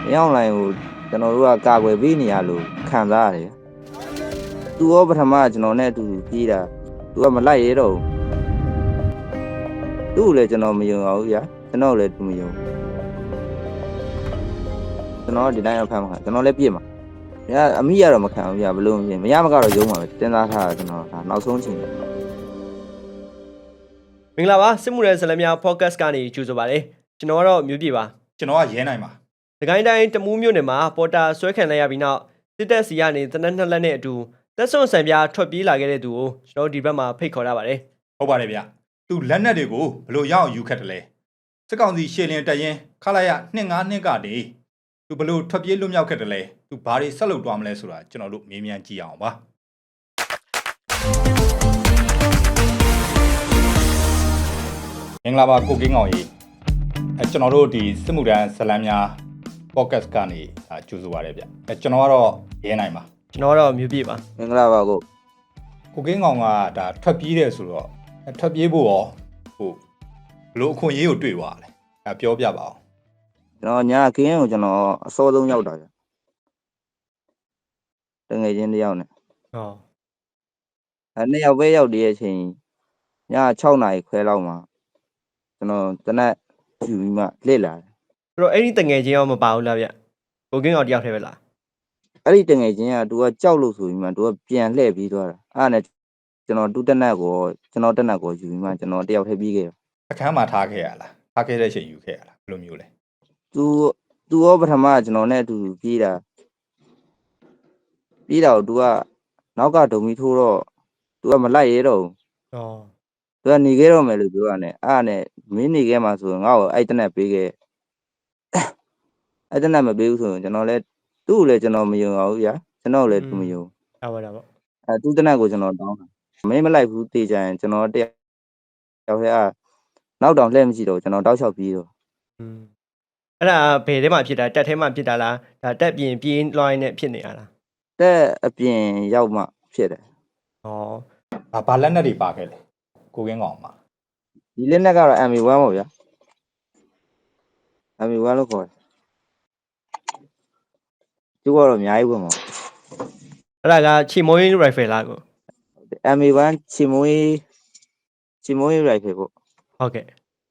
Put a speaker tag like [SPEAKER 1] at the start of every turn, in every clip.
[SPEAKER 1] ရောက်လိုက်ဟိုကျွန်တော်တို့ကကာကွယ်ပေးနေရလို့ခံစားရတယ်သူရောပထမကျွန်တော်နဲ့အတူပြေးတာသူကမလိုက်ရတော့သူ့ကိုလည်းကျွန်တော်မယုံအောင်ဗျာကျွန်တော်လည်းသူမယုံကျွန်တော်ဒီတိုင်းအဖမ်းမှာကျွန်တော်လည်းပြစ်မှာဗျာအမိရတော့မခံဘူးဗျာဘလို့မရမကတော့ယုံမှာပဲတင်သားထားတာကျွန်တော်ဒါနောက်ဆုံးချိန်
[SPEAKER 2] မင်္ဂလာပါစစ်မှုရဲဇလများ podcast ကနေကြိုဆိုပါရစေကျွန်တော်ကတော့မျိုးပြပါ
[SPEAKER 3] ကျွန်တော်ကရဲနိုင်ပါ
[SPEAKER 2] ဒီကိုင်းတိုင်းတမူးမြို့နယ်မှာပေါ်တာဆွဲခံလိုက်ရပြီးနောက်စစ်တပ်စီကနေတနက်နှစ်လက်နဲ့အတူတက်ဆွန်ဆံပြားထွက်ပြေးလာခဲ့တဲ့သူကိုကျွန်တော်ဒီဘက်မှာဖိတ်ခေါ်ရပါတယ်
[SPEAKER 3] ဟုတ်ပါတယ်ဗျသူလက်နက်တွေကိုဘလို့ရအောင်ယူခတ်တယ်လဲစစ်ကောင်စီရှေ့လင်းတက်ရင်ခလာရ252ကနေသူဘလို့ထွက်ပြေးလွတ်မြောက်ခဲ့တယ်လဲသူဘာတွေဆက်လုပ်သွားမလဲဆိုတာကျွန်တော်တို့မေးမြန်းကြည့်အောင်ပါမင်္ဂလာပါကိုကင်းကောင်ကြီးကျွန်တော်တို့ဒီစစ်မှုထမ်းဇလန်းများ podcast ကနေကြိုဆိုပါရစေဗျကျွန်တော်ကတော့ရဲနိုင်ပါ
[SPEAKER 2] ကျွန်တော်ကတော့မျိုးပြပါ
[SPEAKER 1] မင်္ဂလာပါ
[SPEAKER 3] ကိုကင်းကောင်ကဒါထွက်ပြေးတယ်ဆိုတော့ထွက်ပြေးဖို့ရောဟိုဘလို့အခွင့်အရေးကိုတွေ့သွားတယ်ဒါပြောပြပါအောင်
[SPEAKER 1] ကျွန်တော်ညာခင်းကိုကျွန်တော်အစောဆုံးရောက်တာဗျတငယ်ချင်းတယောက်နဲ့နှစ်ယောက်ပဲရောက်တဲ့အချိန်ည6နာရီခွဲလောက်မှာကျွန်တော်တနက်ယူပြီးမှလှစ်လာတယ်
[SPEAKER 2] ဆိုတော့အဲ့ဒီတငယ်ချင်းရောမပါဘူးလားဗျကိုကင်းအောင်တယောက်တည်းပဲလား
[SPEAKER 1] အဲ့ဒီတငယ်ချင်းကသူကကြောက်လို့ဆိုပြီးမှသူကပြန်လှည့်ပြီးသွားတာအဲ့ဒါနဲ့ကျွန်တော်တူတက်နက်ကိုကျွန်တော်တက်နက်ကိုယူပြီးမှကျွန်တော်တယောက်တည်းပြီးခဲ့တယ်
[SPEAKER 3] အခန်းမှာထားခဲ့ရလားထားခဲ့တဲ့အချိန်ယူခဲ့ရလားဘယ်လိုမျိုးလဲ
[SPEAKER 1] သူရောပထမကျွန်တော်နဲ့အတူပြေးတာကိုသူကနောက်ကဒုံမီထိုးတော့သူကမလိုက်ရတော့ဘူးသူကနေခဲ့တော့မယ်လို့ပြောတာနဲ့အဲ့ဒါနဲ့မင်းနေခဲ့မှာဆိုရင်ငါ့ကိုအဲ့တနက်ပေးခဲ့အဲ့တနက်မပေးဘူးဆိုရင်ကျွန်တော်လည်းသူ့ကိုလည်းကျွန်တော်မယုံအောင်ဘူးဗျာကျွန်တော်လည်းသူမယုံ
[SPEAKER 2] ဟုတ်ပါတော့
[SPEAKER 1] သူ့တနက်ကိုကျွန်တော်တောင်းတာမင်းမလိုက်ဘူးတေးကြရင်ကျွန်တော်တယောက်တည်းနောက်တောင်လှည့်မရှိတော့ကျွန်တော်တောက်လျှောက်ပြေးတော့
[SPEAKER 2] အဲ့ဒါဘယ်ထဲမှာဖြစ်တာတက်ထဲမှာဖြစ်တာလားဒါတက်ပြင်ပြေးလွှိုင်းနဲ့ဖြစ်နေရလား
[SPEAKER 1] တက်အပြင်ရောက်မှဖြစ်တယ်
[SPEAKER 3] ဘာလက်နက်တွေပါခဲ့လဲကိုကင်းကောင်မှာ
[SPEAKER 1] ဒီလက်နက်ကတော့ MA1 ပေါ့ဗျာ MA1 လို့ခေါ်တယ်သူကတော့အများကြီးဝင်ပါ
[SPEAKER 2] အဲ့ဒါကချီမိုးရိုင်ဖယ်လားကို
[SPEAKER 1] MA1 ချီမိုးရိုင်ဖယ်ပေါ့
[SPEAKER 2] ဟုတ်ကဲ့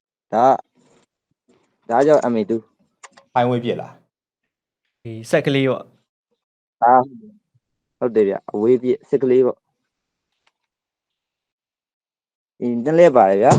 [SPEAKER 1] ဒါကြောင့် MA2
[SPEAKER 3] ဖိုင်ဝေးပြစ်လား
[SPEAKER 2] ဒီဆက်ကလေးပေါ့
[SPEAKER 1] ဟုတ်တယ်ဗျအဝေးပြစ်ဆက်ကလေးပေါ့ဒီတက်လဲပါတယ်ဗျာ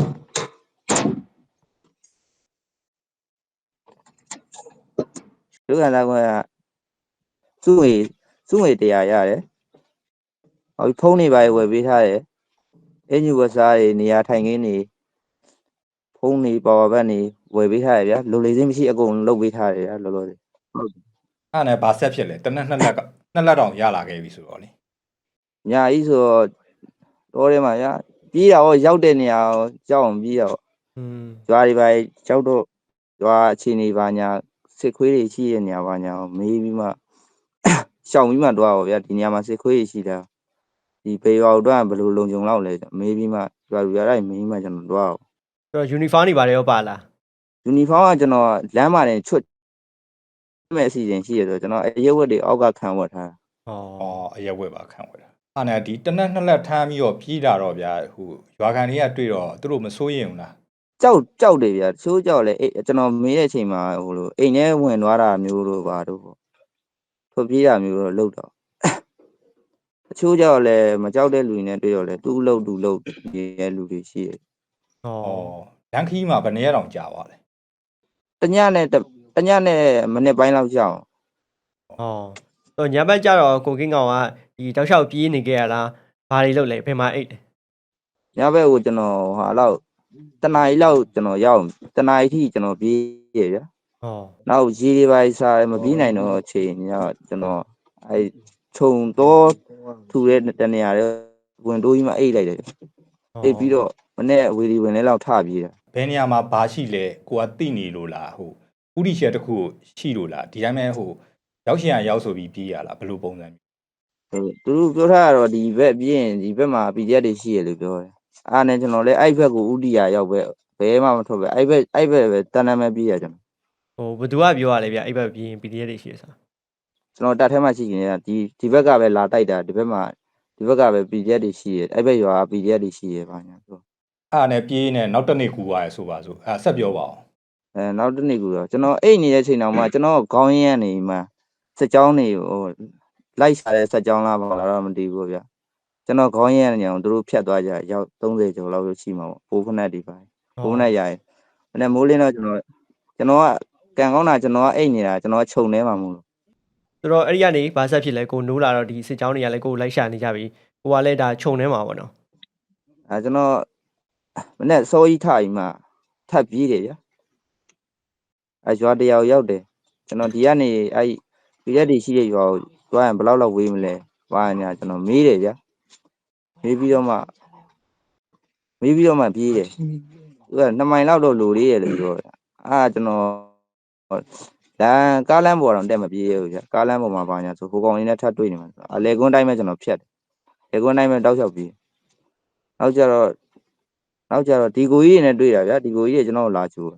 [SPEAKER 1] လူကလာကစုငွေတရားရတယ်ဟောဖုန်းတွေပါဝယ်ပေးထားတယ်အင်ဂျီဝက်စားတွေနေရာထိုင်ခင်းတွေဖုန်းတွေပါဝါဘက်တွေဝယ်ပေးထားတယ်ဗျာလိုလေစင်းမရှိအကုန်လုပ်ပေးထားတယ်ဗျာလောလောဆယ်
[SPEAKER 3] ဟုတ်အဲ့နဲ့ဘာဆက်ဖြစ်လဲတနက်2လက်တောင်ရလာခဲ့ပြီဆိုတော့လေ
[SPEAKER 1] ညာကြီးဆိုတော့ထဲမှာဗျာပြေးတာရောရောက်တဲ့နေရာရောကြောက်အောင်ပြေးတာရွာတွေပါရောက်တော့ရွာအခြေအနေပါညာစစ်ခွေးတွေရှိတဲ့နေရာပါညာမေးပြီးမှရှောင်ပြီးမှတော့ဗျာဒီနေရာမှာစစ်ခွေးတွေရှိတာဒီပေရွာတော့ဘယ်လိုလုံခြုံလောက်လဲမေးပြီးမှရွာတိုင်းမေးပြီးမှကျွန်တော်တော့
[SPEAKER 2] ဆိုတော့ယူနီဖောင်းတွေပါတယ်ရောပါလား
[SPEAKER 1] ယူနီဖောင်းကကျွန်တော်လမ်းမှာတင်ချွတ်မဲ့အစီအစဉ်ရှိရဆိုတော့ကျွန်တော်အရက်ဝက်တွေအောက်ကခံဝတ်ထား
[SPEAKER 3] အရက်ဝက်ပါခံဝတ်တာအဲ့နဲ့ဒီတနက်2လက်ထမ်းပြီးတော့ပြေးတာတော့ဗျာဟိုရွာခံတွေကတွေ့တော့သူတို့မစိုးရင်ဘူးလား
[SPEAKER 1] ကြောက်တယ်ဗျာချိုးကြောက်လဲကျွန်တော်မေးတဲ့အချိန်မှာဟိုလိုအိမ်ထဲဝင်သွားတာမျိုးတို့ပါတို့ပေါ့ထွက်ပြေးတာမျိုးတော့လုပ်တော့အချိုးကြောက်လဲမကြောက်တဲ့လူတွေနဲ့တွေ့တော့လဲသူ့လုပ်ရဲ့လူတွေရှိတယ်
[SPEAKER 3] လမ်းခီးမှာဘယ်နေရာတောင်ကြာပါလဲ
[SPEAKER 1] တညနဲ့မိနစ်ပိုင်းလောက်ကြာအောင်
[SPEAKER 2] တော့ညဘက်ကျတော့ကိုကင်းကောင်ကဒီတောက်လျှောက်ပြေးနေခဲ့ရလားဘာတွေလုပ်လဲဘယ်မှာအိတ်လဲ
[SPEAKER 1] ညဘက်ကိုကျွန်တော်ဟာလောက်တနားရီလောက်ကျွန်တော်ရောက်တနားရီထိကျွန်တော်ပြေးရဗျာနောက်ရေတွေပါစားမပြေးနိုင်တော့အချိန်ညကျွန်တော်အဲခြုံတော့ထူတဲ့တနေရာတွေဝင်တိုးကြီးမှအိတ်လိုက်တယ်အိတ်ပြီးတော့မနေ့အဝေးဒီဝင်လဲလောက်ထပြေးတာ
[SPEAKER 3] ဘယ်နေရာမှာဘာရှိလဲကိုကသိနေလို့လားဟိုဥတီရှယ်တစ်ခုရှိလို့လားဒီတိုင်းပဲဟိုရောက်ရှင်ရောက်ဆိုပြီးပြေးရလားဘယ်လိုပုံစံ
[SPEAKER 1] မျိုးသူတို့ပြောထားတော့ဒီဘက်ပြေးရင်ဒီဘက်မှာ PDF တွေရှိရလို့ပြောတယ်အားနဲ့ကျွန်တော်လည်းအဲ့ဘက်ကိုဥတီယာရောက်ပဲဘယ်မှမထွက်ပဲအဲ့ဘက်ပဲတန်တမ်းပဲပြေးရကျွန်တော်
[SPEAKER 2] ဟိုဘသူကပြောရလဲဗျအဲ့ဘက်ပြီးရင် PDF တွေရှိရစား
[SPEAKER 1] ကျွန်တော်တက်ထဲမှာရှိနေတယ်ဒီဘက်ကပဲလာတိုက်တာဒီဘက်ကပဲ PDF တွေရှိတယ်အဲ့ဘက်ရွာ PDF တွေရှိရပါညာဆို
[SPEAKER 3] အဲ့နဲ့ပြေးနေနောက်တစ်နေ့ကူသွားရဆိုပါစို့အဲ့ဆက်ပြောပါအောင်
[SPEAKER 1] နောက်တစ်နေ့ကူတော့ကျွန်တော်အိတ်နေတဲ့ချိန်တောင်မှကျွန်တော်ခေါင်းရင်းကနေမှစက်ကြောင်းတွေဟိုလိုက်စားတဲ့စက်ကြောင်းလားပါလားတော့မသိဘူးဗျာကျွန်တော်ခေါင်းရင်းနေအောင်သူတို့ဖြတ်သွားကြရောက်30ကျော်လောက်ရှိမှာပေါ့ပိုးဖနက်တွေပါပိုးဖနက်ရရင်အဲ့မိုးလင်းတော့ကျွန်တော်ကကန်ကောင်းတာကျွန်တော်ကအိတ်နေတာကျွန်တော်ကခြုံနေမှာမို့လို့
[SPEAKER 2] ဆိုတော့အဲ့ဒီကနေဘာဆက်ဖြစ်လဲကိုနိုးလာတော့ဒီစစ်ကြောင်းတွေကလည်းကိုလိုက်ရှာနေကြပြီကိုကလည်းဒါခြုံနေမှာပေါ့နော်
[SPEAKER 1] ကျွန်တော်မနေ့စောကြီးထားပြီးမှထပ်ပြေးတယ်ဗျာရွာတယောက်ရောက်တယ်ကျွန်တော်ဒီကနေအဲ့ဒီရက်တွေရှိတဲ့ရွာကိုသွားရင်ဘယ်လောက်ဝေးမလဲဘာညာကျွန်တော်မေးတယ်ဗျာမေးပြီးတော့မှပြေးတယ်သူက2မိုင်လောက်တော့လိုသေးတယ်လို့ပြောတယ်ကျွန်တော်ကားလမ်းပေါ်တော့တက်မပြေးရဘူးဗျာကားလမ်းပေါ်မှာဘာညာဆိုဟိုကောင်လေးနဲ့ထပ်တွေ့နေမှာအလေကွန်းတိုင်းပဲကျွန်တော်ဖြတ်တယ်လေကွန်းတိုင်းပဲတောက်လျှောက်ပြေးနောက်ကြတော့ဒီကိုကြီးတွေနဲ့တွေ့တာဗျာဒီကိုကြီးတွေကျွန်တော်လာချိုး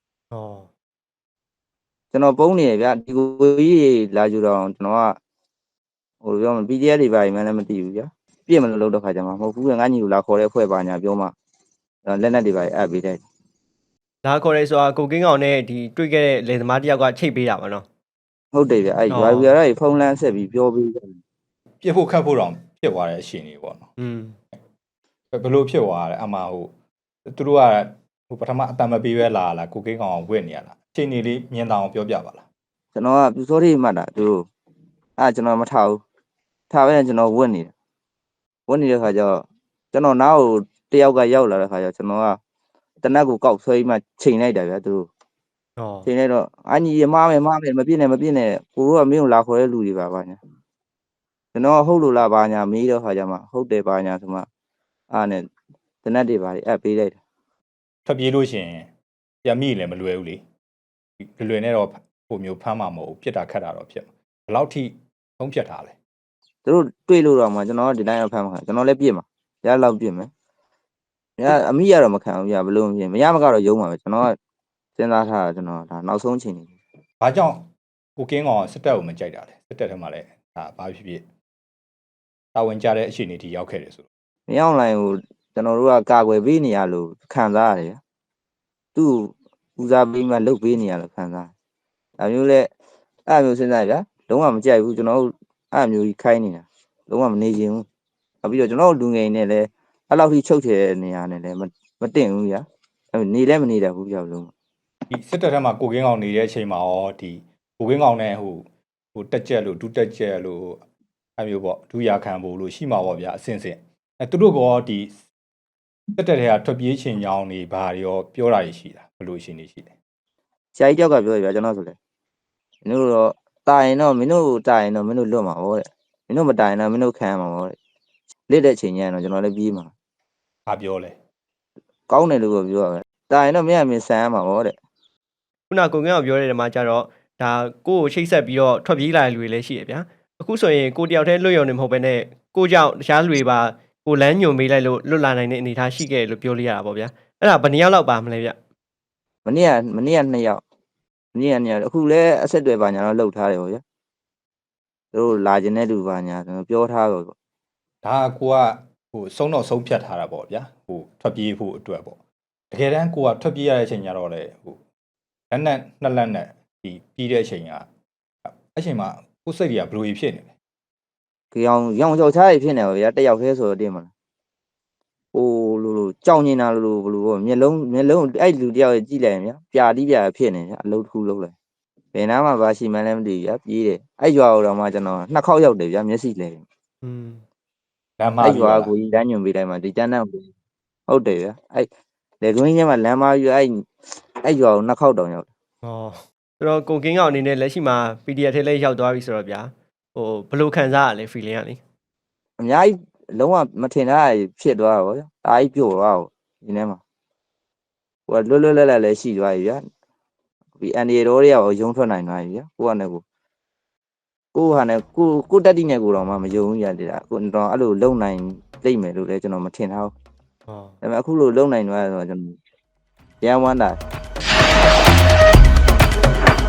[SPEAKER 1] ကျွန်တော်ပုံးနေရဗျာဒီကိုကြီးတွေလာချိုးတော့ကျွန်တော်ကဟိုပြောမှ PDF တွေပါရင်လည်းမသိဘူးဗျာပြည့်မလို့တော့ခါကြမှာမဟုတ်ဘူးငါညီကိုလာခေါ်တဲ့ဖွဲ့ပါညာပြောမှလက်နက်တွေပါအပ်ပေးတယ်
[SPEAKER 2] လာခေါ်ရဲဆိုတာကိုကင်းကောင်နဲ့ဒီတွေ့ခဲ့တဲ့လယ်သမားတယောက်ကချိတ်ပေးတာပါနော်
[SPEAKER 1] ဟုတ်တယ်ဗျအဲ့ရွာပြရဖုန်းလန်းဆက်ပြီးပြောပေးတယ်
[SPEAKER 3] ပြစ်ဖို့ခတ်ဖို့တော့ဖြစ်သွားတဲ့အရှင်ကြီးပေါ့နော်ဘယ်လိုဖြစ်သွားလဲအမဟိုသူတို့ကဟိုပထမအတံမပေးပဲလာကိုကင်းကောင်ဝစ်နေရလားအချိန်လေးမြင်တောင်ပြောပြပါလား
[SPEAKER 1] ကျွန်တော်ကပြူစောတွေမှတ်တာသူကျွန်တော်မထားဘူးထားပဲကျွန်တော်ဝစ်နေတဲ့ခါကျတော့ကျွန်တော်နောက်တယောက်ကရောက်လာတဲ့ခါကျကျွန်တော်ကတနက်ကိုကောက်ဆွဲပြီးမှချိန်လိုက်တာဗျာသူတို့ချိန်လိုက်တော့အညီမားမယ်မပြည့်နဲ့ကိုတို့ကမင်းကိုလာခေါ်တဲ့လူတွေပါညာကျွန်တော်ဟုတ်လို့လားဘာညာမေးတော့ခါကျမှဟုတ်တယ်ဘာညာဆိုမှနဲ့တနက်တွေပါအပ်ပေးလိုက်တယ်
[SPEAKER 3] ထွက်ပြေးလို့ရှင်ပြန်မိလည်းမလွယ်ဘူးလေလွယ်နဲ့တော့ပုံမျိုးဖမ်းမှာမဟုတ်ဘူးပြစ်တာခတ်တာတော့ဖြစ်မှာဘယ်လောက်ထိသုံးဖြတ်ထားလဲ
[SPEAKER 1] သူတို့တွေ့လို့တော့မှကျွန်တော်ဒီတိုင်းတော့ဖမ်းမှာကျွန်တော်လည်းပြစ်မှာရလောက်ပြစ်မယ်အမိရတော့မခံဘူးပြဘလို့မဖြစ်မရမကတော့ယုံမှာပဲကျွန်တော်ကစဉ်းစားထားတာကျွန်တော်ဒါနောက်ဆုံးချိန်နေ
[SPEAKER 3] ဘာကြောင့်ကိုကင်းကောင်စစ်တပ်ကိုမကြိုက်တာလဲစစ်တပ်ထဲမှာလည်းဒါဘာဖြစ်တာဝန်ကြတဲ့အခြေအနေထိရောက်ခဲ့တယ်ဆို
[SPEAKER 1] မင်းအောင်လိုင်းကိုကျွန်တော်တို့ကကာကွယ်ပေးနေရလို့ခံစားရတယ်သူ့ဦးစားပေးမှလုပ်ပေးနေရလို့ခံစားဒါမျိုးလဲအဲ့မျိုးစဉ်းစားရဗျာလုံးဝမကြိုက်ဘူးကျွန်တော်တို့အဲ့မျိုးကြီးခိုင်းနေတာလုံးဝမနေချင်ဘူးနောက်ပြီးတော့ကျွန်တော်တို့လူငယ်နေလည်းအဲ့လောက်ထိချုပ်ချယ်နေရနေလည်းမတင်ဘူးဗျာနေလည်းမနေတတ်ဘူးကြောက်လုံး
[SPEAKER 3] ဒီစစ်တပ်ထဲမှာကိုကင်းကောင်နေတဲ့အချိန်မှာရောဒီကိုကင်းကောင်နဲ့ဟိုတက်ကြက်လို့ဒုတက်ကြက်လို့အဲ့မျိုးပေါ့ဒုရခံဖို့လို့ရှိမှာပေါ့ဗျာအစင်သူတို့ကဒီတက်တဲ့ထဲကထွက်ပြေးချိန်ကြောင်းနေဘာရောပြောတာရှိတာဘယ်လိုရှင်နေရှိလဲ
[SPEAKER 1] ဆရာကြီးကြောက်ကပြောရပြကျွန်တော်ဆိုလေမင်းတို့တော့တာရင်တော့မင်းတို့တာရင်တော့မင်းတို့လွတ်မှာပေါ့တဲ့မင်းတို့မတာရင်တော့မင်းတို့ခံရမှာပေါ့တဲ့လက်တဲ့ချိန်ကျရင်တော့ကျွန်တော်လည်းပြေးမှာ
[SPEAKER 3] ဘာပြောလဲ
[SPEAKER 1] ကောင်းတယ်လို့ပြောရပဲတာရင်တော့မင်းဆန်ရမှာပေါ့တဲ့
[SPEAKER 2] ခုနကိုကင်းအောင်ပြောတဲ့နေရာမှာကျတော့ဒါကိုကိုချိတ်ဆက်ပြီးတော့ထွက်ပြေးလာတဲ့လူတွေလည်းရှိရဗျာအခုဆိုရင်ကိုတယောက်တည်းလွတ်ရုံနဲ့မဟုတ်ဘဲနဲ့ကိုကြောင့်တခြားလူတွေပါကိုလမ်းညွန်ပေးလိုက်လို့လွတ်လာနိုင်တဲ့အနေအထားရှိခဲ့လို့ပြောလို့ရတာပေါ့ဗျာအဲ့ဒါဘယ်နှစ်ယောက်လောက်ပါမလဲဗျ
[SPEAKER 1] မနေ့က2ယောက်အခုလည်းအဆက်တွေပါညာတော့လှုပ်ထားတယ်ပေါ့ဗျာသူတို့လာခြင်းတဲ့လူပါညာကျွန်တော်ပြောထားတော့ပေါ့
[SPEAKER 3] ဒါကိုကဟိုဆုံးတော့ဆုံးဖြတ်ထားတာပေါ့ဗျာဟိုထွက်ပြေးဖို့အတွက်ပေါ့တကယ်တမ်းကိုကထွက်ပြေးရတဲ့အချိန်ကျတော့လေဟိုလက်နဲ့နှစ်လက်နဲ့ဒီပြီးတဲ့အချိန်ကအချိန်မှာကိုယ်စိတ်တွေကဘယ်လိုဖြစ်နေလဲ
[SPEAKER 1] ရောင်ကြောက်ချားတွေဖြစ်နေပါဗျာတယောက်တည်းဆိုတော့တင်မလားဟိုလိုကြောက်နေတာလိုဘယ်လိုပေါ့မျက်လုံးအဲ့လူတယောက်ရဲ့ကြည့်လိုက်ရင်ဗျာပြာတိပြာဖြစ်နေဗျာအလုပ်တစ်ခုလုပ်လိုက်ဘယ်နားမှာဘာရှိမှန်းလည်းမသိဘူးဗျာပြေးတယ်အဲ့ရွာတော့မှကျွန်တော်2ခေါက်ရောက်တယ်ဗျာမျက်စိလဲ
[SPEAKER 3] လမ်းမ
[SPEAKER 1] အဲ့ရွာကိုကြီးတန်းညွန်ပေးတိုင်းမှာဒီတန်းတန်းဟုတ်တယ်ဗျာအဲ့လေကွင်းချင်းမှာလမ်းမကြီးအဲ့ရွာကို2ခေါက်တောင်ရောက်တယ်
[SPEAKER 2] ဆိုတော့ကိုကင်းကောင်အနေနဲ့လက်ရှိမှာ PDF ထဲလည်းရောက်သွားပြီဆိုတော့ဗျာဟိုဘယ်လိုခံစားရလဲ feeling ကလေ
[SPEAKER 1] အများကြီးလုံးဝမထင်တာဖြစ်သွားတာဗောဗျာအားကြီးပြိုသွားတာဒီထဲမှာဟိုလွတ်လပ်လည်းရှိသွားပြီဗျာဒီအန်ဒီရောတွေကရုံထွက်နိုင်သွားပြီဗျာကိုကနဲ့ကိုဟာနဲ့ကိုတက်တိနဲ့ကိုတော့မှမယုံဘူးရတဲ့ကိုတော့အဲ့လိုလုံနိုင်လိမ့်မယ်လို့လည်းကျွန်တော်မထင်ထားဘူးဒါပေမဲ့အခုလိုလုံနိုင်သွားဆိုတော့ကျွန်တော်ရမ်းဝမ်းတာ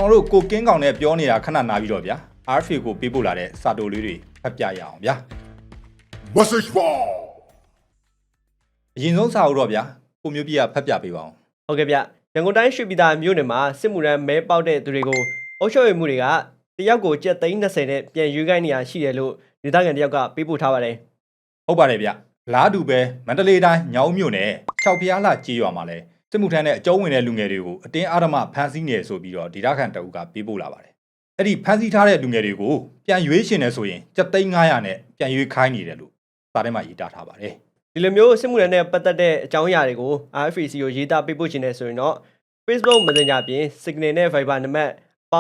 [SPEAKER 3] ကျွန်တော်တို့ကိုကင်းကောင်နဲ့ပြောနေတာခဏနာပြီးတော့ဗျာ RFA ကိုပေးပို့လာတဲ့စာတိုလေးတွေဖတ်ပြရအောင်ဗျာ
[SPEAKER 4] Message ball
[SPEAKER 3] အရင်ဆုံးစာအုပ်တော့ဗျာကိုမျိုးပြဖတ်ပြပေးပါအောင်
[SPEAKER 2] ဟုတ်ကဲ့ဗျရန်ကုန်တိုင်းရွှေပြည်သာမြို့နယ်မှာစစ်မှုထမ်းမဲပေါက်တဲ့သူတွေကိုအုပ်ချုပ်ရေးမှုတွေကတယောက်ကိုကျပ်330နဲ့ပြန်ရွေးခိုင်းနေရရှိတယ်လို့ဒေသခံတယောက်ကပေးပို့ထားပါတယ်
[SPEAKER 3] ဟုတ်ပါတယ်ဗျလားတူပဲမန္တလေးတိုင်းညောင်မြို့နယ်6ဖျားလှကြေးရွာမှာလဲစစ်မှုထမ်းနဲ့အကျုံးဝင်တဲ့လူငယ်တွေကိုအတင်းအဓမ္မဖမ်းဆီးနေဆိုပြီးတော့ဒေသခံတအုပ်ကပေးပို့လာပါတယ်အဲ့ဒီဖမ်းဆီးထားတဲ့လူငယ်တွေကိုပြန်ရွေးရှင်နေဆိုရင်ကျပ်300နဲ့ပြန်ရွေးခိုင်းနေတယ်လို့စာထဲမှာရေးသားထားပါတယ်
[SPEAKER 2] ဒီလိုမျိုးစစ်မှုထမ်းနဲ့ပတ်သက်တဲ့အကြောင်းအရာတွေကို RFA ကိုရေးသားပေးပို့ခြင်းနဲ့ဆိုရင်တော့ Facebook Messenger ပြင် Signal နဲ့ Viber နံပါတ်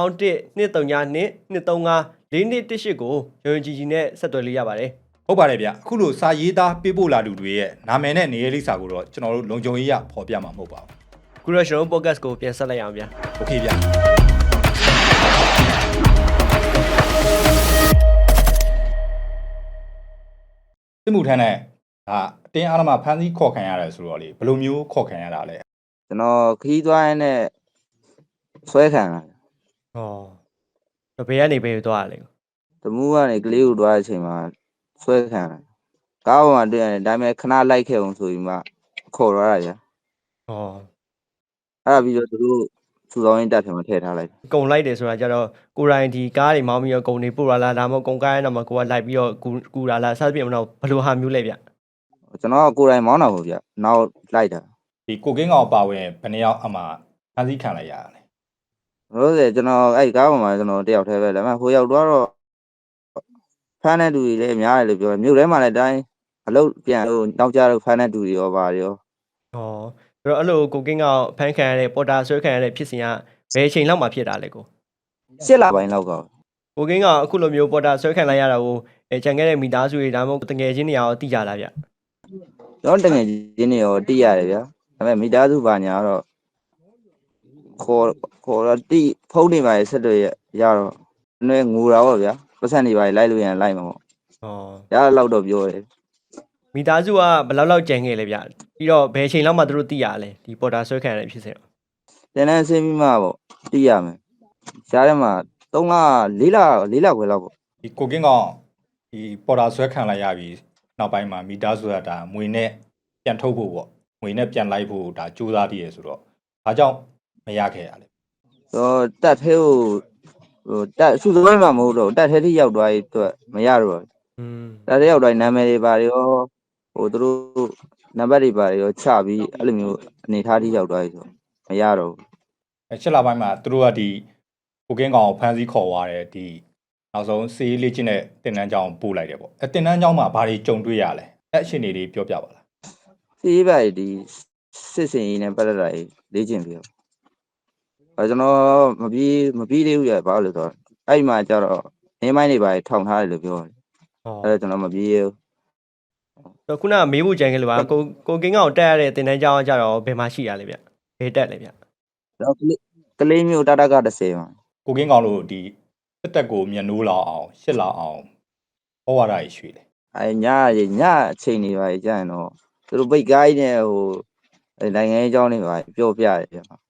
[SPEAKER 2] 12392354218ကိုရုံကြီးကြီးနဲ့ဆက်သွယ်လို့ရပါတယ်
[SPEAKER 3] ဟုတ်ပါတယ်ဗျအခုလိုစာရေးသားပေးပို့လာသူတွေရဲ့နာမည်နဲ့နေရာလိပ်စာကိုတော့ကျွန်တော်တို့လုံခြုံရေးရဖော်ပြမှာမဟုတ်ပါဘူး
[SPEAKER 2] ခုတော့ကျွန်တော်တို့ podcast ကိုပြန်ဆက်လိုက်အောင်ဗျာ
[SPEAKER 3] โอเคဗျစစ်မှုထမ်းနဲ့ဒါအတင်းအဓမ္မဖမ်းဆီးခေါ်ခံရတယ်ဆိုတော့လေဘယ်လိုမျိုးခေါ်ခံရတာလဲ
[SPEAKER 1] ကျွန်တော်ခီးသွားရင်းနဲ့ဆွဲခံလာ
[SPEAKER 2] ဟောတော့ဘယ်ကနေဘယ်သွားရလဲ
[SPEAKER 1] တမူးကနေကလေးကိုသွားတဲ့အချိန်မှာဆွဲခံလာကားပေါ်မှာတွေ့ရတယ်ဒါပေမဲ့ခဏလိုက်ခဲ့အောင်ဆိုပြီးမှခေါ်သွားတာကြာ
[SPEAKER 2] ဟော
[SPEAKER 1] အဲ့ဒါပြီးတော့သူတို့စူဆောင်းရင်းတက်ထဲမှာထည့်ထားလိုက်
[SPEAKER 2] ကုံလိုက်တယ်ဆိုတာကြတော့ကိုရိုင်းဒီကားတွေမောင်းပြီးတော့ကုံတွေပို့လာလားဒါမှမဟုတ်ကုံကားရတော့မှကိုကလိုက်ပြီးတော့ကူလာလားစသဖြင့်မတော့ဘယ်လိုဟာမျိုးလဲဗျ
[SPEAKER 1] ကျွန်တော်ကကိုယ်တိုင်မောင်းတာပေါ့ဗျနောက်လိုက်တာ
[SPEAKER 3] ဒီကိုကင်းကောင်ပါဝင်ဘယ်နှစ်ယောက်အမှဖမ်းဆီးခံလိုက်ရတာလဲ
[SPEAKER 1] လို့ဆိုကျွန်တော်အဲ့ကားပေါ်မှာကျွန်တော်တယောက်တည်းပဲဒါပေမဲ့ဟိုရောက်တော့ဖမ်းတဲ့လူတွေလည်းများတယ်လို့ပြောတယ်မြို့ထဲမှာလည်းတိုင်းအလုပ်ပြန်လို့နောက်ကြတော့ဖမ်းတဲ့လူတွေရောပါရော
[SPEAKER 2] ဟောဆိုတော့အဲ့လိုကိုကင်းကဖန်ခံရတဲ့ပေါ်တာဆွဲခံရတဲ့ဖြစ်စဉ်ကဘယ်အချိန်လောက်မှဖြစ်တာလဲကို
[SPEAKER 1] 8 လပိုင်းလောက်က
[SPEAKER 2] ကိုကင်းကအခုလိုမျိုးပေါ်တာဆွဲခံလိုက်ရတာကိုခြံခဲ့တဲ့မိသားစုတွေဒါမှမဟုတ်တငယ်ချင်းတွေရောသိကြလားဗျ
[SPEAKER 1] ကျွန်တော်တကယ်ချင်းနေရောတိရတယ်ဗျာဒါပေမဲ့မိသားစုဘာညာတော့ခေါ်တော့တိဖုန်းနေပါရဲ့ဆက်တွေရတော့နည်းငူတာပေါ့ဗျာပတ်စံနေပါလိုက်လို့ရင်လိုက်မှာပေါ့
[SPEAKER 2] ဟော
[SPEAKER 1] ရတော့တော့ပြောတယ်
[SPEAKER 2] မိသားစုကဘယ်လောက်ကြံခဲ့လဲဗျပြီးတော့ဘယ်အချိန်လောက်မှသူတို့သိရလဲဒီပေါ်တာဆွဲခံရတဲ့ဖြစ်စဉ်
[SPEAKER 1] တင်တန်းဆင်းပြီးမှပေါ့တိရမယ်ရှားထဲမှာ3 လ4 လခွဲလောက်ပေါ့
[SPEAKER 3] ဒီကိုကင်းကောင်ဒီပေါ်တာဆွဲခံလိုက်ရပြီးနောက်ပိုင်းမှာမိသားစုကဒါငွေနဲ့ပြန်ထုတ်ဖို့ပေါ့ငွေနဲ့ပြန်လိုက်ဖို့ဒါစူးစမ်းတည်ရဆိုတော့ဘာကြောင့်မရခဲ့ရလဲ
[SPEAKER 1] တော့တက်သေးဟိုတက်စုသွဲမှာမဟုတ်တော့တက်သေးထိရောက်သွားရေးအတွက်မရတော့
[SPEAKER 2] อืม
[SPEAKER 1] တက်သေးရောက်သွားနာမည်တွေပါရောဟိုသူတို့နံပါတ်တွေပါရောချပြီးအဲ့လိုမျိုးအနေထားထိရောက်သွားရေးဆိုမရတော့
[SPEAKER 3] 7လပိုင်းမှာသူတို့ကဒီကိုကင်းကောင်ကိုဖမ်းဆီးခေါ်သွားတယ်ဒီနောက်ဆုံးစီးလေးချင်းတဲ့တင်တန်းကြောင်းပို့လိုက်တယ်ပေါ့အဲတင်တန်းကြောင်းမှာဘာတွေကြုံတွေ့ရလဲအဲ့အရှင်တွေလေးပြောပြပါလား
[SPEAKER 1] စီးပါဒီစစ်စင်ကြီးနဲ့ပတ်သက်တာလေ့ကျင့်ပြီးတော့ကျွန်တော်မပြီးသေးဘူးရဘာလို့လဲဆိုတော့အဲ့မှာကျတော့နေမိုင်းတွေပါထောင်ထားတယ်လို့ပြောတယ်
[SPEAKER 2] ဟော
[SPEAKER 1] အဲ့တော့ကျွန်တော်မပြီးသေးဘူး
[SPEAKER 2] တော့ခုနကမေးဖို့ကြံခဲ့လို့ပါကိုကင်းကောင်တက်ရတဲ့တင်တန်းကြောင်းကကြတော့ဘယ်မှာရှိရလဲဗျဘယ်တက်လဲဗျ
[SPEAKER 1] တော့ကလေးမျိုးတတက30မှာ
[SPEAKER 3] ကိုကင်းကောင်လို့ဒီတက်တက်ကိုမျက်နှိုးလောက်အောင်ရှစ်လောက်အောင်ဟောရတာရွှေတယ်
[SPEAKER 1] အဲ့ညအချိန်တွေပါကြာရင်တော့သူတို့ပိတ်ကိုင်းနဲ့ဟိုနိုင်ငံရေးအကြောင်းတွေပါပြောပြတယ်ဗျာ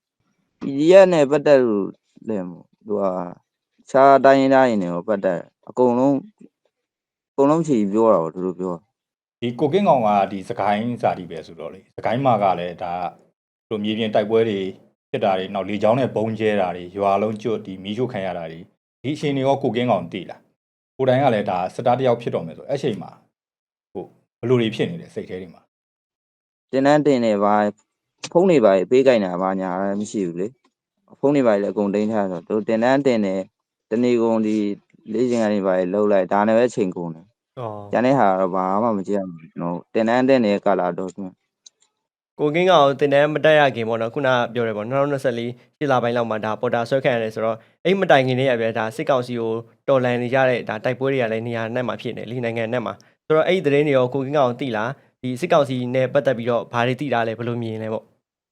[SPEAKER 1] PDF နဲ့ပတ်သက်လို့လည်းသူကခြားတိုင်းရင်းသားတွေနဲ့ပတ်သက်အကုန်လုံးချီပြောတာပေါ့သူတို့ပြော
[SPEAKER 3] ဒီကိုကင်းကောင်ကဒီစကိုင်းစာတီပဲဆိုတော့လေစကိုင်းမှာကလည်းဒါတို့မြေပြင်တိုက်ပွဲတွေဖြစ်တာတွေနောက်လေချောင်းနဲ့ဘုံကျဲတာတွေရွာလုံးကျွတ်ဒီမီးရှို့ခံရတာတွေဒီအချိန်တွေရောကိုကင်းကောင်တည်လာကိုတိုင်းကလည်းဒါစတားတယောက်ဖြစ်တော်မယ်ဆိုအဲ့ချိန်မှာဟိုဘယ်လိုတွေဖြစ်နေလဲစိတ်ထဲတွေမှာ
[SPEAKER 1] တင်တန်းတင်နေပါဖုန်းတွေပါပေးကြိုင်တာဘာညာမရှိဘူးလေဖုန်းတွေပါလည်းအကုန်တင်းထားဆိုတော့သူတင်တန်းတင်နေတနေ့ကုန်ဒီလေးချိန်ကနေပါလှုပ်လိုက်ဒါနဲ့ပဲချိန်ကုန်တယ်
[SPEAKER 2] ဟော
[SPEAKER 1] ကျန်တဲ့ဟာတော့ဘာမှမကြည့်ရဘူးကျွန်တော်တင်တန်းတင်နေတဲ့ကာလာတော့
[SPEAKER 2] ကိုကင်းကောင်တင်တန်းမတက်ရခင်ပေါ့နော်ခုနကပြောတယ်ပေါ့2024ရှစ်လပိုင်းလောက်မှာဒါပေါ်တာဆွဲခံရတယ်ဆိုတော့အဲ့မတိုင်ခင်လေးရပြဒါစစ်ကောင်စီကိုတော်လန်နေကြတဲ့ဒါတိုက်ပွဲတွေကလည်းနေရာနဲ့မှာဖြစ်နေလေနိုင်ငံနဲ့မှာဆိုတော့အဲ့ဒီသတင်းတွေရောကိုကင်းကောင်သိလားဒီစစ်ကောင်စီနဲ့ပတ်သက်ပြီးတော့ဘာတွေသိတာလဲဘယ်လိုမြင်လဲပေါ့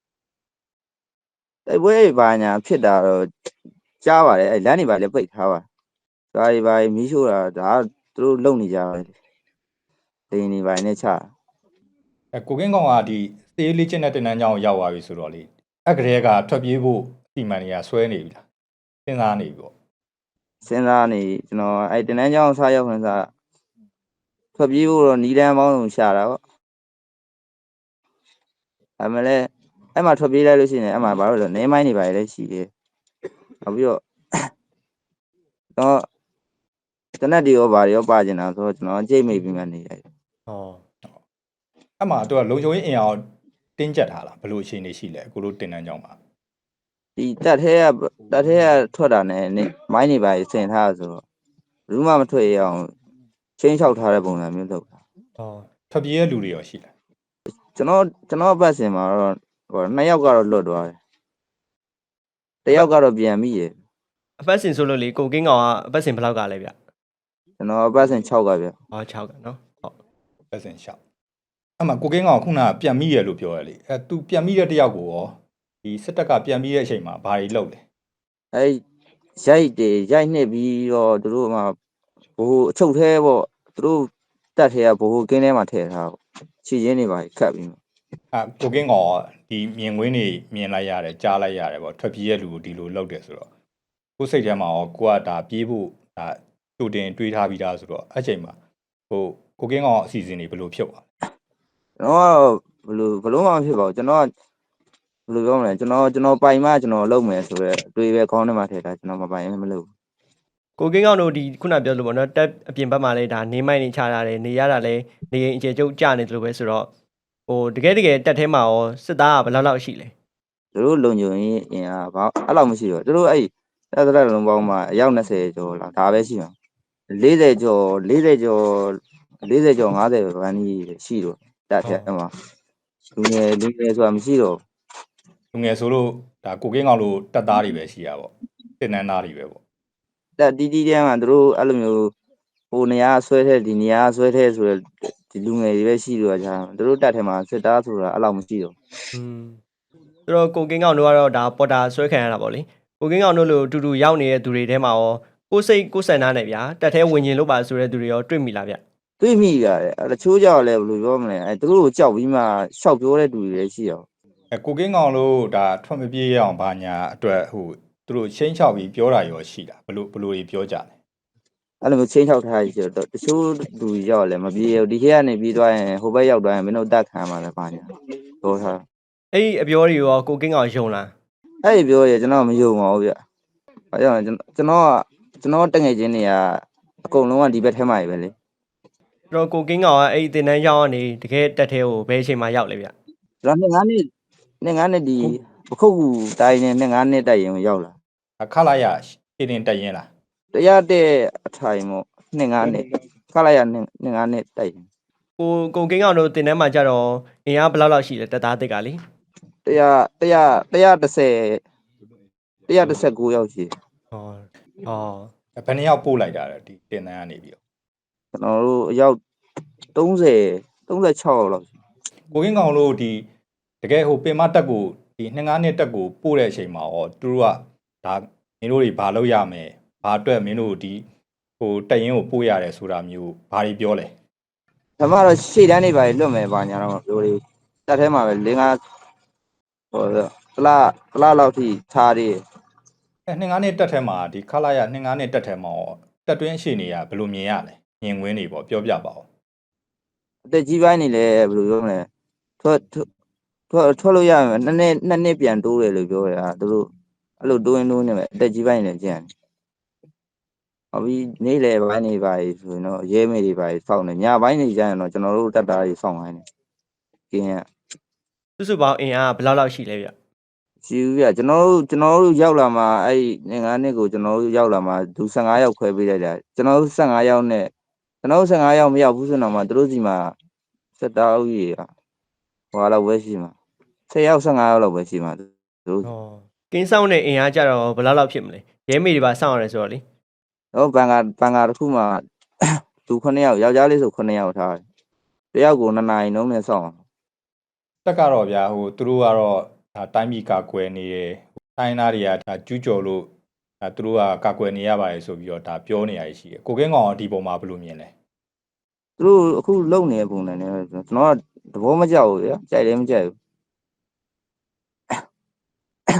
[SPEAKER 1] တိုက်ပွဲဘာညာဖြစ်တာတော့ကြားပါတယ်အဲ့လမ်းတွေပါလည်းပိတ်ထားပါဒါတွေပါမီးရှို့တာဒါသူတို့လုံနေကြတယ်ဒင်းတွေပါနဲ့ချ
[SPEAKER 3] ကိုကင်းကောင်ကဒီစေးလေးချင်းတဲ့တင်တန်းကြောင်းရောက်သွားပြီဆိုတော့လေအဲ့ကလေးကထွက်ပြေးဖို့အစီအမံတွေကဆွဲနေပြီလားတစဉ်းစားနေပြီပေါ့
[SPEAKER 1] စဉ်းစားနေကျွန်တော်အဲ့တင်တန်းကျောင်းစားရောက်ခွင့်စားထွက်ပြေးဖို့တော့နီးတန်းပေါင်းရှာတာပေါ့အမှလည်းအဲ့မှာထွက်ပြေးလိုက်လို့ရှိရင်အဲ့မှာဘာလို့လဲနေမိုင်းနေပါလေရှိတယ်နောက်ပြီးတော့တော့တနက်တွေရောဘာတွေရောပါကျင်တာဆိုတော့ကျွန်တော်ကြိတ်မိတ်ပြီးမှနေရတယ်
[SPEAKER 2] ဟော
[SPEAKER 3] အဲ့မှာသူကလုံချုံရေးအင်အားတင်းကျပ်ထားလားဘယ်လိုအခြေအနေရှိလဲကိုလိုတင်တန်းကြောင်းမှာ
[SPEAKER 1] ဒီတက်ထဲကထွက်တာနဲ့မိုင်းနေပါဆင်ထားဆိုတော့ဘူးမှမထွက်ရအောင်ချင်းချောက်ထားတဲ့ပုံစံမျိုးလုပ်တာ
[SPEAKER 2] ဟော
[SPEAKER 3] ထွက်ပြေးတဲ့လူတွေရောရှိလား
[SPEAKER 1] ကျွန်တော်ဘက်စင်မှာတော့ဟို2ယောက်ကတော့လွတ်သွားတယ်တယောက်ကတော့ပြန်မိရ
[SPEAKER 2] အပတ်စဉ်ဆိုလို့လေကိုကင်းကောင်ကအပတ်စဉ်ဘယ်လောက်ကလဲဗျ
[SPEAKER 1] ကျွန်တော်ဘက်စင်6ကဗျ
[SPEAKER 2] ဟော6ကနော်ဟုတ်
[SPEAKER 3] ပတ်စင်ရှောက်အဲ့မှာကိုကင်းကောင်ခုနကပြန်မိရလို့ပြောရလေအဲ့ तू ပြန်မိတဲ့တယောက်ကိုရောဒီစစ်တပ်ကပြန်မိတဲ့အချိန်မှာဘာတွေလုပ်လဲ
[SPEAKER 1] အဲ့ရိုက်နှစ်ပြီးတော့သူတို့မှဘိုးအချုပ်သေးပေါ့သူတို့တက်ထဲကဘိုးကင်းထဲမှာထည့်ထားပေါ့ခြေရင်းတွေပါခတ်ပြီး
[SPEAKER 3] အဲ့ကိုကင်းကောင်ကဒီမြင်ကွင်းတွေမြင်လိုက်ရတယ်ကြားလိုက်ရတယ်ပေါ့ထွက်ပြေးတဲ့လူကိုဒီလိုလုပ်တယ်ဆိုတော့ကိုယ်စိတ်ထဲမှာရောကိုကဒါပြေးဖို့ဒါတူတင်တွေးထားပြီးသားဆိုတော့အဲ့ချိန်မှာဟိုကိုကင်းကောင်အစီအစဉ်တွေဘယ်လိုဖြစ်သွား
[SPEAKER 1] ကျွန်တော်ကဘလို့မှမဖြစ်ပါဘူးကျွန်တော်ဘယ်လိုပြောမလဲကျွန်တော်ပိုင်မှကျွန်တော်လုပ်မယ်ဆိုတော့အတွေ့ပဲခေါင်းထဲမှာထည့်တာကျွန်တော်မပိုင်မလုပ်
[SPEAKER 2] ကိုကင်းကောင်တို့ဒီခုနပြောလို့ပေါ့နော်တက်အပြင်ဘက်မှာလဲဒါနေမိုက်နေချတာလဲနေရတာလဲနေရင်အခြေကျုပ်ကြနေတယ်လို့ပဲဆိုတော့ဟိုတကယ်တက်ထဲမှာရောစစ်သားကဘယ်လောက်ရှိလဲ
[SPEAKER 1] သူတို့လုံခြုံရေးအင်အားဘာအဲ့လောက်မရှိတော့သူတို့အဲ့တက်လုံးပေါင်းမှာအယောက်20ကျော်လောက်ဒါပဲရှိမှာ40ကျော်50ကျော်50ဗန်းကြီးရှိတော့တက်ထဲမှာလူငယ်ဆိုတာမရှိတော့
[SPEAKER 3] လူငယ်ဆိုလို့ဒါကိုကင်းကောင်လို့တက်သားတွေပဲရှိတာပေါ့တင်နန်းသားတွေပဲပေါ့
[SPEAKER 1] တက်တီးတန်းမှာသူတို့အဲ့လိုမျိုးဟိုနေရာဆွဲထဲဒီနေရာဆွဲထဲဆိုရဒီလူငယ်တွေပဲရှိတော့ကြာသူတို့တက်ထဲမှာစစ်သားဆိုတာအဲ့လောက်မရှိတော့
[SPEAKER 2] ဆိုတော့ကိုကင်းကောင်တို့ကတော့ဒါပေါ်တာဆွဲခံရတာပေါ့လေကိုကင်းကောင်တို့လိုတူတူရောက်နေတဲ့သူတွေထဲမှာရောကိုစိတ်ကိုဆန္ဒနဲ့ဗျာတက်ထဲဝင်ရင်လို့ပါဆိုတဲ့သူတွေရောတွေ့မိလားဗျ
[SPEAKER 1] တွေးမိရတယ်တချို့ကြောက်လဲဘယ်လိုပြောမလဲအဲသူတို့ကိုကြောက်ပြီးမှရှောက်ပြောတဲ့သူတွေလည်းရှိအောင်
[SPEAKER 3] ကိုကင်းကောင်လို့ဒါထွက်မပြေးရအောင်ဘာညာအတွက်ဟိုသူတို့ချင်းချောက်ပြီးပြောတာရောရှိတာဘလို့တွေပြောကြတယ်
[SPEAKER 1] အဲ့လိုမျိုးချင်းချောက်ထားရတော့တချို့လူရောက်လဲမပြေဘူးဒီခေတ်ကနေပြီးသွားရင်ဟိုဘက်ရောက်သွားရင်မင်းတို့တက်ခံမှာလဲပါညာပြောထား
[SPEAKER 2] အဲ့ဒီအပြောတွေရောကိုကင်းကောင်ယုံလား
[SPEAKER 1] အဲ့ဒီပြောရကျွန်တော်မယုံပါဘူးဗျဘာကြောင့်ကျွန်တော်တငယ်ချင်းတွေကအကုန်လုံးကဒီဘက်ထဲမှာပဲလေ
[SPEAKER 2] ဆိုတော့ကိုကင်းကောင်ကအဲ့ဒီတင်တန်းရောက်ကနေတကယ်တက်ထဲကိုဘယ်အချိန်မှရောက်လဲဗျ
[SPEAKER 1] ကျွန်တော်နှစ်ဒီပခုတ်ကူတိုင်းနဲ့နှစ်တိုက်ရင်ရောက်လာ
[SPEAKER 3] အခလာရရှင်းတင်တက်ရင်လား
[SPEAKER 1] တရားတဲ့အထိုင်မို့နှစ်ခလိုက်ရနှစ်တိုက်ရင်
[SPEAKER 2] ကိုကင်းကောင်တို့တင်တန်းမှာကြတော့အင်အားဘယ်လောက်ရှိလဲတက်သားတစ်ကလေ
[SPEAKER 1] 119ရောက်ရှိ
[SPEAKER 2] ဟော
[SPEAKER 3] ဘယ်နှစ်ယောက်ပို့လိုက်တာလဲဒီတင်တန်းကနေပြီးတော့
[SPEAKER 1] ကျွန်တော်တို့အယောက်36ရောက်လောက်
[SPEAKER 3] ကိုကင်းကောင်လို့ဒီတကယ်ဟိုပင်မတက်ကိုဒီ2-5တက်ကိုပို့တဲ့အချိန်မှာရောသူတို့ကဒါမင်းတို့တွေဘာလုပ်ရမယ်ဘာအတွက်မင်းတို့ဒီဟိုတက်ရင်ကိုပို့ရတယ်ဆိုတာမျိုးဘာတွေပြောလဲ
[SPEAKER 1] ဒါမှတော့ရှေ့တန်းနေပါလွတ်မယ်ပါညာတော့ပြောလေးတက်ထဲမှာပဲ5ဟိုတလားလောက်ထိထားသေး
[SPEAKER 3] 2-5တက်ထဲမှာဒီခလာရ2-5တက်ထဲမှာရောတက်တွင်းအခြေအနေကဘယ်လိုမြင်ရလဲမြင်ကွင်းတွေပေါ့ပြောပြပါဦး
[SPEAKER 1] အသက်ကြီးပိုင်းနေလဲဘယ်လိုပြောမလဲထွက်လို့ရမယ်နှစ်နှစ်ပြန်တိုးတယ်လို့ပြောရတာသူတို့အဲ့လိုတိုးနေမယ်အသက်ကြီးပိုင်းနေကြံဟောပြီးနေလေပိုင်းနေပါဆိုရင်တော့ရဲမေတွေပါစောင့်နေညပိုင်းနေကြရင်တော့ကျွန်တော်တို့တက်သားတွေစောင့်ခိုင်းတယ်ကင်းရ
[SPEAKER 2] စုပေါင်းအင်အားဘယ်လောက်ရှိလဲဗျ
[SPEAKER 1] ရှိဘူးပြကျွန်တော်တို့ရောက်လာမှာအဲ့ငါးနှစ်ကိုကျွန်တော်တို့ရောက်လာမှာသူ15ယောက်ခွဲပေးလိုက်တာကျွန်တော်တို့15ယောက်နဲ့ကျွန်တော်တို့15ယောက်မရောက်ဘူးဆိုတော့မှသူတို့စီမှာစက်သားဦးကြီးဟွာလောက်ပဲရှိမှာ10ယောက်15ယောက်လောက်ပဲရှိမှာသူတို့
[SPEAKER 2] ကင်းဆောင်တဲ့အင်အားကြတော့ဘယ်လောက်ဖြစ်မလဲရဲမေတွေပါစောင့်ရတယ်ဆိုတော့လေ
[SPEAKER 1] တော့ဘန်ကာတစ်ခုမှာသူ9ယောက်ယောက်ျားလေးဆို9ယောက်ထားတယ်တယောက်ကို2နာရီနှုန်းနဲ့စောင့်
[SPEAKER 3] တက်ကတော့ဗျာဟိုသူတို့ကတော့ဒါတိုင်းပြည်ကာကွယ်နေတယ်တိုင်းသားတွေကဒါကျူးကျော်လို့ဒါသူတို့ကကာကွယ်နေရပါတယ်ဆိုပြီးတော့ဒါပြောနေရရှိတယ်ကိုကင်းကောင်ကဒီပုံမှာဘယ်လိုမြင်လဲ
[SPEAKER 1] သူတို့အခုလုံနေတဲ့ပုံစံနဲ့ကျွန်တော်ကသဘောမကျဘူးဗျာကြိုက်လည်းမကြိုက်ဘူး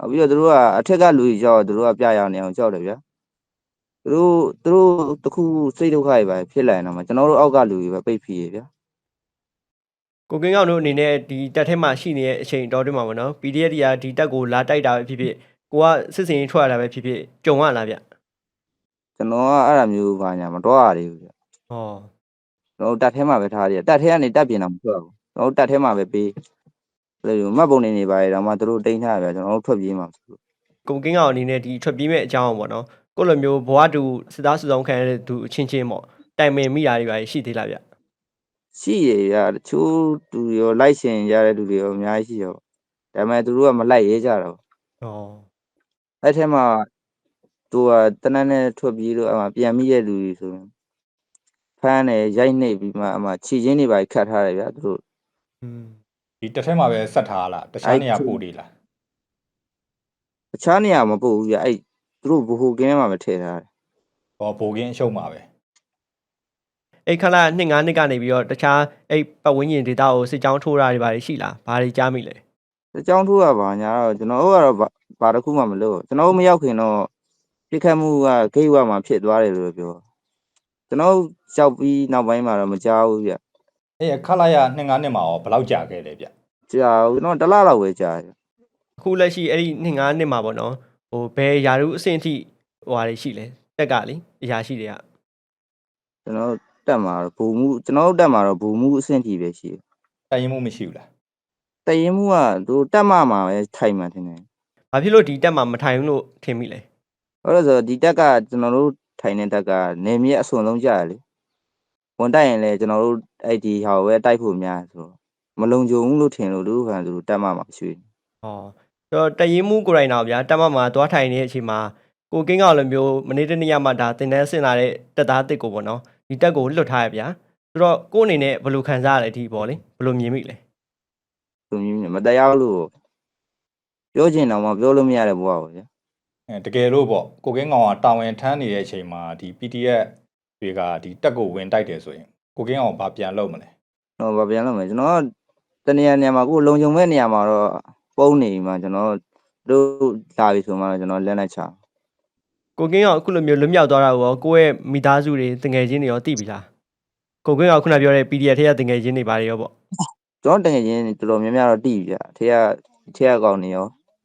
[SPEAKER 1] ပြီးတော့သူတို့ကအထက်ကလူကြီးကြောက်သူတို့ကပြရအောင်နေအောင်ကြောက်တယ်ဗျာသူတို့တခုစိတ်ဒုက္ခတွေပဲဖြစ်လာရင်တော့ကျွန်တော်တို့အောက်ကလူကြီးပဲပိတ်ဖြေဗျာ
[SPEAKER 2] ကိုကင်းကောင်တို့အနေနဲ့ဒီတက်ထဲမှာရှိနေတဲ့အချိန်တော်တွင်းမှာပေါ့နော် PDF တွေကဒီတက်ကိုလာတိုက်တာပဲဖြစ်ဖြစ်ကိုကစစ်စင်ထွက်ရတာပဲဖြစ်ဖြစ်ကြုံရလားဗျ
[SPEAKER 1] ကျွန်တော်ကအဲ့ဒါမျိုးဘာညာမတော်ရသေးဘူးဗျ
[SPEAKER 2] ဟော
[SPEAKER 1] ကျွန်တော်တက်ထဲမှာပဲထားရတယ်တက်ထဲကနေတက်ပြင်တာမထွက်ဘူးကျွန်တော်တက်ထဲမှာပဲပေးလို့မှတ်ပုံနေပါရတော့မှသူတို့တိန်းထားရဗျကျွန်တော်တို့ထွက်ပြေးမှာဆိုလို့
[SPEAKER 2] ကိုကင်းကောင်အနေနဲ့ဒီထွက်ပြေးမဲ့အကြောင်းပေါ့နော်ကိုလိုမျိုးဘဝတူစစ်သားစုဆောင်ခံရတဲ့သူအချင်းချင်းပေါ့တိုင်ပင်မိတာတွေပါရှိသေးလားဗျ
[SPEAKER 1] ရှိရဗျတချို့သူရောလိုက်ရှင်ရတဲ့သူတွေရောအများကြီးရှိရောဒါပေမဲ့သူတို့ကမလိုက်ရဲကြတော့
[SPEAKER 2] ဟော
[SPEAKER 1] အဲ့ထဲမှာသူကတနက်နဲ့ထွက်ပြေးလို့အမှပြန်မိရဲ့လူတွေဆိုရင်ဖမ်းတယ်ရိုက်နှိပ်ပြီးမှအမှခြေချင်းတွေပါခတ်ထားတယ်ဗျသူတို့
[SPEAKER 3] ဒီတစ်ထက်မှာပဲဆက်ထားလားတခြားနေရာပို့နေလား
[SPEAKER 1] အခြားနေရာမပို့ဘူးဗျအဲ့သူတို့ဘ ਹੁ ကင်းထဲမှာပဲထည့်ထားတယ်
[SPEAKER 3] ဟောပိုကင်းအရှုံးမှာပဲ
[SPEAKER 2] အဲ့ခလာ2-5နှစ်ကနေပြီးတော့တခြားအဲ့ပတ်ဝန်းကျင်ဒေတာကိုစစ်ကြောင်းထိုးတာတွေပါရှိလားဘာတွေကြားမိလဲ
[SPEAKER 1] အကြောင်းထိုးရပါညာတော့ကျွန်တော်တို့ကတော့ဘာတစ်ခုမှမလုပ်ကျွန်တော်တို့မရောက်ခင်တော့ပြစ်ခတ်မှုကဂိတ်ဝမှာဖြစ်သွားတယ်လို့ပြောကျွန်တော်ရောက်ပြီးနောက်ပိုင်းမှာတော့မကြောက်ဘူးဗျ
[SPEAKER 3] အဲ့ခလာရ2-5နှစ်မှာရောဘယ်လောက်ကြာခဲ့လဲဗျ
[SPEAKER 1] ကြာကျွန်တော်တစ်လလောက်ပဲကြာတယ်
[SPEAKER 2] အခုလက်ရှိအဲ့ဒီ2-5နှစ်မှာပေါ့နော်ဟိုဘယ်ယာရုအဆင့်အထိဟိုဟာတွေရှိလဲတက်ကလေအရာရှိတွေက
[SPEAKER 1] ကျွန်တော်တက်မှာတော့ဘူမှုကျွန်တော်တက်မှာတော့ဘူမှုအဆင့်ကြီးပဲရှိတယ်
[SPEAKER 3] တိုင်ရင်မှုမရှိဘူးလား
[SPEAKER 1] တရင်မှုကသူတက်မှာပဲထိုင်မှန်တင်တယ်
[SPEAKER 2] ။ဘာဖြစ်လို့ဒီတက်မှာမထိုင်ဘူးလို့ထင်မိလဲ
[SPEAKER 1] ဟုတ်လို့ဆိုဒီတက်ကကျွန်တော်တို့ထိုင်တဲ့တက်ကနေမြေအစွန်လုံးကြာတယ်လေဝန်တိုက်ရင်လည်းကျွန်တော်တို့အဲ့ဒီဟာကိုပဲတိုက်ဖို့များဆိုမလုံခြုံဘူးလို့ထင်လို့လူခံသူတက်မှာရွှေ
[SPEAKER 2] ။ဟောဆိုတော့တရင်မှုကိုယ်တိုင်တော့ဗျာတက်မှာသွားထိုင်နေတဲ့အချိန်မှာကိုကင်းကောင်လိုမျိုးမနေ့တနေ့မှဒါတင်တန်းဆင်လာတဲ့တက်သားတစ်ကိုပေါ့နော်ဒီတက်ကိုလွတ်ထားရဗျာ။ဆိုတော့ကို့အနေနဲ့ဘယ်လိုခံစားရလဲဒီပေါ့လေဘယ်လိုမြင်မိလဲ
[SPEAKER 1] သူမျိုးမတရားလို့ပြောချင်တော့မှပြောလို့မရတဲ့ဘဝပေါ့ဗျာ
[SPEAKER 3] တကယ်လို့ပေါ့ကိုကင်းကောင်ကတာဝန်ထမ်းနေတဲ့အချိန်မှာဒီ PDF တွေကဒီတက်ကိုဝင်တိုက်တယ်ဆိုရင်ကိုကင်းကောင်ဘာပြန်လုပ်မလဲ
[SPEAKER 1] တော့ဗပြန်လို့မယ်ကျွန်တော်တနေရာနေရာမှာကိုလုံခြုံမဲ့နေရာမှာတော့ပုံနေမှာကျွန်တော်တို့လာပြီဆိုမှတော့ကျွန်တော်လက်နဲ့ချ
[SPEAKER 2] ။ကိုကင်းကောင်အခုလိုမျိုးလွတ်မြောက်သွားတာကိုရောကိုယ့်ရဲ့မိသားစုတွေတငယ်ချင်းတွေရောသိပြီလား။ကိုကင်းကောင်ခုနပြောတဲ့ PDF ထဲကတငယ်ချင်းတွေပါတယ်ရောပေါ့
[SPEAKER 1] ကျွန်တော်တကယ်ချင်းတော်တော်များများတော့တိပြီဗျထဲကကောင်းနေရော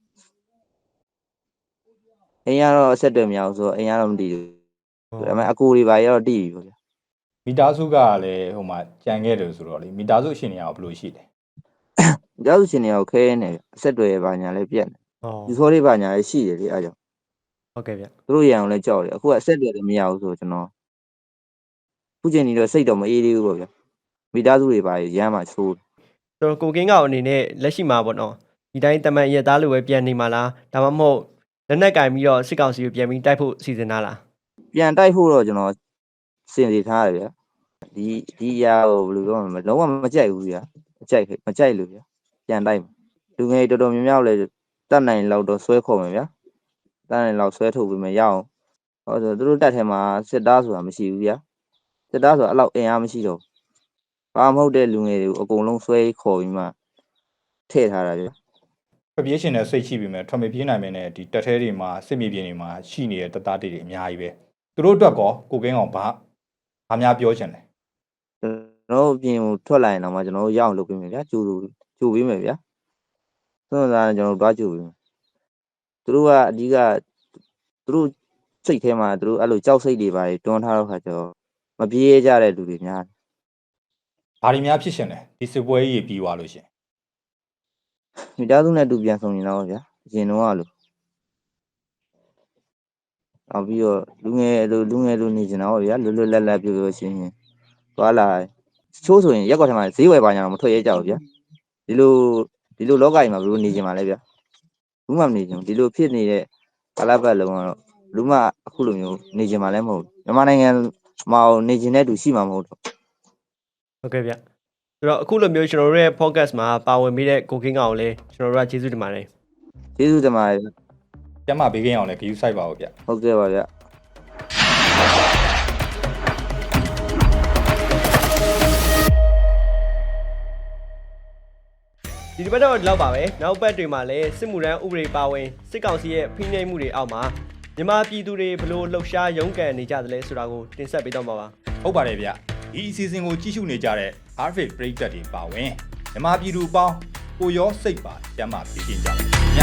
[SPEAKER 1] အိမ်ကတော့အဆက်တွေမရဘူးဆိုတော့အိမ်ကတော့မတည်ဘူးဒါပေမဲ့အကူတွေပါရတော့တိပြီပေါ့ဗျာ
[SPEAKER 3] မိသားစုကလည်းဟိုမှာကြံခဲ့တယ်ဆိုတော့လေမိသားစုအရှင်တွေကဘယ်လိုရှိလဲ
[SPEAKER 1] ကျောက်ရှင်တွေရောခဲနေအဆက်တွေပါညာလည်းပြက်နေ
[SPEAKER 2] ။ဟော
[SPEAKER 1] ဒီစောလေးပါညာလည်းရှိတယ်လေအားကြောင့်
[SPEAKER 2] ဟုတ်ကဲ့ဗျ
[SPEAKER 1] သူတို့ရအောင်လည်းကြောက်တယ်အခုကအဆက်တွေလည်းမရဘူးဆိုတော့ကျွန်တော်ခုချိန်ကြီးတော့စိတ်တော့မအေးသေးဘူးပေါ့ဗျာမိသားစုတွေပါရမ်းမှချိုး
[SPEAKER 2] ။ဆိုတော့ကိုကင်းကောင်အနေနဲ့လက်ရှိမှာပေါ့နော်ဒီတိုင်းတမန်ရက်သားလိုပဲပြန်နေမှာလားဒါမှမဟုတ်လက်နက်ကင်ပြီးတော့စစ်ကောင်စီကိုပြန်ပြီးတိုက်ဖို့စီစဉ်တာလား
[SPEAKER 1] ပြန်တိုက်ဖို့တော့ကျွန်တော်စင်စီထားတယ်ဗျာဒီရာကိုဘယ်လိုပြောမလဲလုံးဝမကြိုက်ဘူးဗျာမကြိုက်လို့ဗျာပြန်တိုက်လူငယ်တော်တော်များများလည်းတတ်နိုင်လောက်တော့ဆွဲခေါ်မယ်ဗျာတတ်နိုင်လောက်ဆွဲထုတ်ပြီးမှရအောင်ဟောဆိုသူတို့တက်ထဲမှာစစ်သားဆိုတာမရှိဘူးဗျာစစ်သားဆိုတာအဲ့လောက်အင်အားမရှိတော့ဘာမဟုတ်တဲ့လူငယ်တွေကိုအကုန်လုံးဆွဲခေါ်ပြီးမှထည့်ထားတာဗျာ
[SPEAKER 3] ထွက်ပြေးရှင်တဲ့စိတ်ရှိပြီမဲ့ထွက်မပြေးနိုင်မဲ့ဒီတက်သေးတွေမှာစစ်မြေပြင်တွေမှာရှိနေတဲ့တပ်သားတွေအများကြီးပဲသူတို့အတွက်ကောကိုကင်းကောင်ဘာများပြောချင်လဲ
[SPEAKER 1] ကျွန်တော်တို့ပြင်ကိုထွက်လာရင်တော့မှကျွန်တော်တို့ရအောင်လုပ်ပေးမယ်ဗျာကြိုပေးမယ်ဗျာသွန်စားကျွန်တော်တို့တွားကြိုပေးမယ်သူတို့ကအဓိကသူတို့စိတ်ထဲမှာသူတို့အဲ့လိုကြောက်စိတ်တွေပါတွန်းထားတော့ခါကျတော့မပြေးကြတဲ့လူတွေများ
[SPEAKER 3] ဘာတွေများဖြစ်ရှင်လဲဒီစစ်ပွဲကြီးပြီးသွားလို့ရှင်
[SPEAKER 1] မိသားစုနဲ့တူပြန်ဆောင်ရင်တော့ဗျာအရင်တော့လို့နောက်ပြီးတော့လူငယ်လိုနေကြတော့ဗျာလွတ်လပ်ပြောရှင်းသွားလာချိုးဆိုရင်ရက်ကွက်ထဲမှာဈေးဝယ်ပါညာမထွက်ရဲကြဘူးဗျာဒီလိုလောကကြီးမှာဘယ်လိုနေကြမှာလဲဗျာဘူးမှမနေကြဘူးဒီလိုဖြစ်နေတဲ့ကာလပတ်လုံးကတော့လူမှအခုလိုမျိုးနေကြမှာလည်းမဟုတ်မြန်မာနိုင်ငံမှာနေကြတဲ့သူရှိမှာမဟုတ်တော့
[SPEAKER 2] ဟုတ်ကဲ့ဗျဆိုတော့အခုလိုမျိုးကျွန်တော်တို့ရဲ့ podcast မှာပါဝင်ပြီးတဲ့ကိုကင်းကောင်ကိုလည်းကျွန်တော်တို့ကကျေးဇူးတင်ပါတယ်
[SPEAKER 1] ကျေးဇူးတင်ပါတယ်
[SPEAKER 3] ကျမဘေးကင်းအောင်လည်းဂယူဆိုင်ပါဦးဗျ
[SPEAKER 1] ဟုတ်ကဲ့ပါဗျာ
[SPEAKER 2] ဒီတစ်ပတ်တော့ဒီလောက်ပါပဲနောက်ပတ်တွေမှာလည်းစစ်မှုထမ်းဥပဒေပါဝင်စစ်ကောင်စီရဲ့ဖိနှိပ်မှုတွေအောက်မှာမြန်မာပြည်သူတွေဘလို့လှုပ်ရှားရုန်းကန်နေကြသလဲဆိုတာကိုတင်ဆက်ပေးတော့မှာပါ
[SPEAKER 3] ဟုတ်ပါတယ်ဗျဒီအစီအစဉ်ကိုကြည့်ရှုနေကြတဲ့ Arvid ပရိသတ်တွေပါဝင်မြန်မာပြည်သူပေါင်းကိုရောစိတ်ပါကျမ်းမာပြည့်စုံကြပါ